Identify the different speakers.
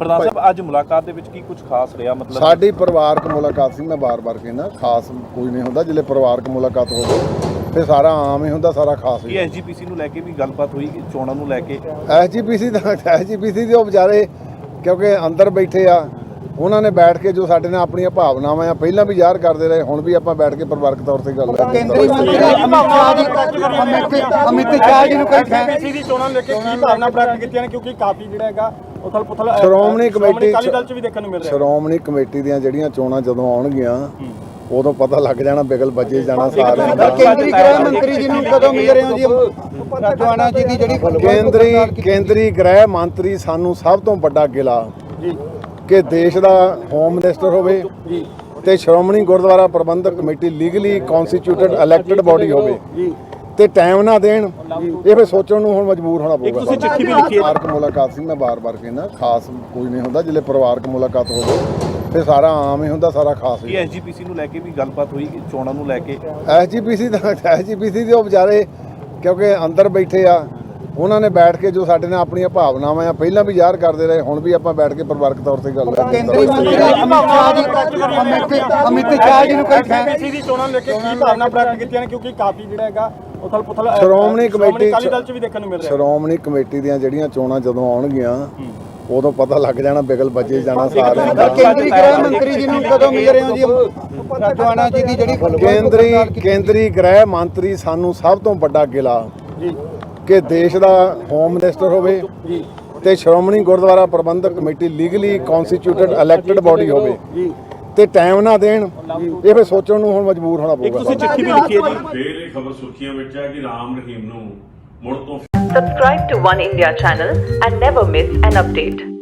Speaker 1: ਪ੍ਰਧਾਨ ਸਾਹਿਬ ਅੱਜ ਮੁਲਾਕਾਤ ਦੇ ਵਿੱਚ ਕੀ ਕੁਝ ਖਾਸ ਰਿਹਾ ਮਤਲਬ
Speaker 2: ਸਾਡੀ ਪਰਿਵਾਰਕ ਮੁਲਾਕਾਤ ਸੀ। ਮੈਂ ਬਾਰ-ਬਾਰ ਕਹਿੰਦਾ ਖਾਸ ਕੋਈ ਨਹੀਂ ਹੁੰਦਾ, ਜਿਹੜੇ ਪਰਿਵਾਰਕ ਮੁਲਾਕਾਤ ਹੋਵੇ ਤੇ ਸਾਰਾ ਆਮ ਹੀ ਹੁੰਦਾ, ਸਾਰਾ ਖਾਸ ਹੀ।
Speaker 1: ਐਸਜੀਪੀਸੀ ਨੂੰ ਲੈ ਕੇ ਵੀ ਗੱਲਬਾਤ ਹੋਈ ਚੋਣਾਂ ਨੂੰ ਲੈ ਕੇ?
Speaker 2: ਐਸਜੀਪੀਸੀ ਦੇ ਉਹ ਵਿਚਾਰੇ ਕਿਉਂਕਿ ਅੰਦਰ ਬੈਠੇ ਆ, ਉਹਨਾਂ ਨੇ ਬੈਠ ਕੇ ਜੋ ਸਾਡੇ ਨਾਲ ਆਪਣੀਆਂ ਭਾਵਨਾਵਾਂ ਆ ਪਹਿਲਾਂ ਵੀ ਜ਼ਾਹਰ ਕਰਦੇ ਰਹੇ, ਹੁਣ ਵੀ ਆਪਾਂ ਬੈਠ ਕੇ ਪਰਿਵਾਰਕ ਤੌਰ ਤੇ ਗੱਲ ਕਰਾਂਗੇ।
Speaker 3: ਕੇਂਦਰੀ ਮੰਤਰੀ ਅਮਿਤ ਸ਼ਾਹ ਜੀ ਨੂੰ ਕੋਈ ਐਸਜੀਪੀਸੀ ਦੀ ਚੋਣਾਂ ਲੈ ਕੇ ਕੀ ਭਾਵਨਾ ਪ੍ਰਗਟ ਕੀਤੀਆਂ ਨੇ, ਕਿਉਂਕਿ ਕਾਫੀ ਜਿਹੜਾ ਹੈਗਾ ਉਥਲ-ਪੁਥਲ
Speaker 2: ਸ਼੍ਰੋਮਣੀ ਕਮੇਟੀ
Speaker 3: ਅਕਾਲੀ ਦਲ 'ਚ ਵੀ ਦੇਖਣ ਨੂੰ ਮਿਲ ਰਿਹਾ।
Speaker 2: ਸ਼੍ਰੋਮਣੀ ਕਮੇਟੀ ਦੀਆਂ ਜਿਹੜੀਆਂ ਚੋਣਾਂ ਜਦੋਂ ਆਉਣਗੀਆਂ ਉਦੋਂ ਪਤਾ ਲੱਗ ਜਾਣਾ, ਬਿਗਲ ਵੱਜੇ ਜਾਣਾ ਸਾਰਿਆਂ ਦਾ।
Speaker 3: ਕੇਂਦਰੀ ਗ੍ਰਹਿ ਮੰਤਰੀ ਜੀ ਨੂੰ ਕਦੋਂ ਮਿਲ ਰਹੇ ਹੋ ਜੀ? ਰਾਜਵਾਨਾ ਜੀ ਦੀ ਜਿਹੜੀ
Speaker 2: ਕੇਂਦਰੀ ਗ੍ਰਹਿ ਮੰਤਰੀ ਸਾਨੂੰ ਸਭ ਤੋਂ ਵੱਡਾ ਗਿਲਾ
Speaker 3: ਜੀ
Speaker 2: ਕਿ ਦੇਸ਼ ਦਾ ਹੋਮ ਮਿਨਿਸਟਰ ਹੋਵੇ
Speaker 3: ਜੀ
Speaker 2: ਤੇ Shiromani Gurdwara Prabandhak Committee legally constituted elected body ਹੋਵੇ
Speaker 3: ਜੀ
Speaker 2: ਤੇ ਟਾਈਮ ਨਾ ਦੇਣ, ਇਹ ਫਿਰ ਸੋਚਣ ਨੂੰ ਹੁਣ ਮਜਬੂਰ ਹੋਣਾ ਪਊਗਾ।
Speaker 1: ਤੁਸੀਂ ਚਿੱਠੀ ਵੀ ਲਿਖੀ ਹੈ?
Speaker 2: ਪਰਿਵਾਰਕ ਮੁਲਾਕਾਤ ਸੀ। ਮੈਂ ਬਾਰ-ਬਾਰ ਕਹਿੰਦਾ ਖਾਸ ਕੋਈ ਨਹੀਂ ਹੁੰਦਾ, ਜਿਹੜੇ ਪਰਿਵਾਰਕ ਮੁਲਾਕਾਤ ਹੋਵੇ ਤੇ ਸਾਰਾ ਆਮ ਹੀ ਹੁੰਦਾ, ਸਾਰਾ ਖਾਸ ਹੀ।
Speaker 1: ਐਸਜੀਪੀਸੀ ਨੂੰ ਲੈ ਕੇ ਵੀ ਗੱਲਬਾਤ ਹੋਈ ਚੋਣਾਂ ਨੂੰ ਲੈ ਕੇ?
Speaker 2: ਐਸਜੀਪੀਸੀ ਦੇ ਉਹ ਵਿਚਾਰੇ ਕਿਉਂਕਿ ਅੰਦਰ ਬੈਠੇ ਆ, ਉਹਨਾਂ ਨੇ ਬੈਠ ਕੇ ਜੋ ਸਾਡੇ ਨਾਲ ਆਪਣੀਆਂ ਭਾਵਨਾਵਾਂ ਆ ਪਹਿਲਾਂ ਵੀ ਜ਼ਾਹਰ ਕਰਦੇ ਰਹੇ, ਹੁਣ ਵੀ ਆਪਾਂ ਬੈਠ ਕੇ ਪਰਿਵਾਰਕ ਤੌਰ ਤੇ ਗੱਲ ਕਰਾਂਗੇ।
Speaker 3: ਕੇਂਦਰੀ ਮੰਤਰੀ ਅਮਿਤ ਸ਼ਾਹ ਜੀ ਨੂੰ ਕੋਈ ਐਸਜੀਪੀਸੀ ਦੀ ਚੋਣਾਂ ਲੈ ਕੇ ਕੀ ਭਾਵਨਾ ਪ੍ਰਗਟ ਕੀਤੀਆਂ ਨੇ, ਕਿਉਂਕਿ ਕਾਫੀ ਜਿਹੜਾ ਹੈਗਾ ਉਥਲ-ਪੁਥਲ
Speaker 2: ਸ਼੍ਰੋਮਣੀ ਕਮੇਟੀ
Speaker 3: ਅਕਾਲੀ ਦਲ 'ਚ ਵੀ ਦੇਖਣ ਨੂੰ ਮਿਲ ਰਿਹਾ।
Speaker 2: ਸ਼੍ਰੋਮਣੀ ਕਮੇਟੀ ਦੀਆਂ ਜਿਹੜੀਆਂ ਚੋਣਾਂ ਜਦੋਂ ਆਉਣਗੀਆਂ ਉਦੋਂ ਪਤਾ ਲੱਗ ਜਾਣਾ, ਬਿਗਲ ਵੱਜੇ ਜਾਣਾ ਸਾਰਿਆਂ ਦਾ।
Speaker 3: ਕੇਂਦਰੀ ਗ੍ਰਹਿ ਮੰਤਰੀ ਜੀ ਨੂੰ ਕਦੋਂ ਮਿਲ ਰਹੇ ਹੋ ਜੀ? ਰਾਜਵਾਨਾ ਜੀ ਦੀ ਜਿਹੜੀ
Speaker 2: ਕੇਂਦਰੀ ਗ੍ਰਹਿ ਮੰਤਰੀ ਸਾਨੂੰ ਸਭ ਤੋਂ ਵੱਡਾ ਗਿਲਾ
Speaker 3: ਜੀ
Speaker 2: ਕਿ ਦੇਸ਼ ਦਾ ਹੋਮ ਮਿਨਿਸਟਰ ਹੋਵੇ
Speaker 3: ਜੀ
Speaker 2: ਤੇ Shiromani Gurdwara Prabandhak Committee legally constituted elected body ਹੋਵੇ
Speaker 3: ਜੀ
Speaker 2: ਤੇ ਟਾਈਮ ਨਾ ਦੇਣ, ਇਹ ਫਿਰ ਸੋਚਣ ਨੂੰ ਹੁਣ ਮਜਬੂਰ ਹੋਣਾ ਪਊਗਾ।
Speaker 1: ਤੁਸੀਂ ਚਿੱਠੀ ਵੀ ਲਿਖੀ ਹੈ ਜੀ?
Speaker 4: ਫਿਰ ਇਹ ਖਬਰ ਸੁਰਖੀਆਂ ਵਿੱਚ ਹੈ ਕਿ ਰਾਮ ਰਹੀਮ ਨੂੰ ਮੁੜ ਤੋਂ
Speaker 5: Subscribe to One India channel and never miss an update.